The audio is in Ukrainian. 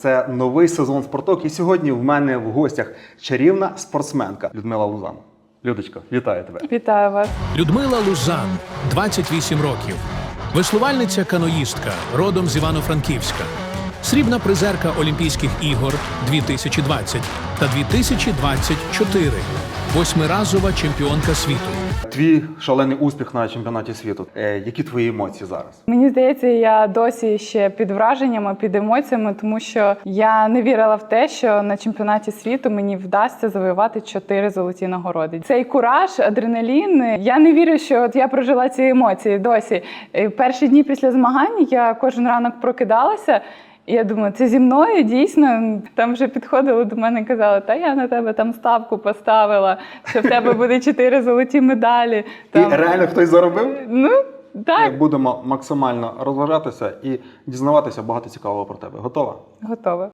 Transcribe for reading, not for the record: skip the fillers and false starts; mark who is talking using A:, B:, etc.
A: Це новий сезон «Спорток», і сьогодні в мене в гостях чарівна спортсменка Людмила Лузан. Людочко, вітаю тебе.
B: Вітаю вас.
C: Людмила Лузан, 28 років. Веслувальниця-каноїстка, родом з Івано-Франківська. Срібна призерка Олімпійських ігор 2020 та 2024. Восьмиразова чемпіонка світу.
A: Твій шалений успіх на чемпіонаті світу. Які твої емоції зараз?
B: Мені здається, я досі ще під враженнями, під емоціями, тому що я не вірила в те, що на чемпіонаті світу мені вдасться завоювати 4 золоті нагороди. Цей кураж, адреналін. Я не вірю, що от я прожила ці емоції досі. Перші дні після змагань я кожен ранок прокидалася. І я думаю, це зі мною дійсно. Там вже підходили до мене і казали, та я на тебе там ставку поставила, що в тебе буде 4 золоті медалі. Там...
A: І реально хтось заробив?
B: Ну, так.
A: Будемо максимально розважатися і дізнаватися багато цікавого про тебе. Готова?
B: Готова.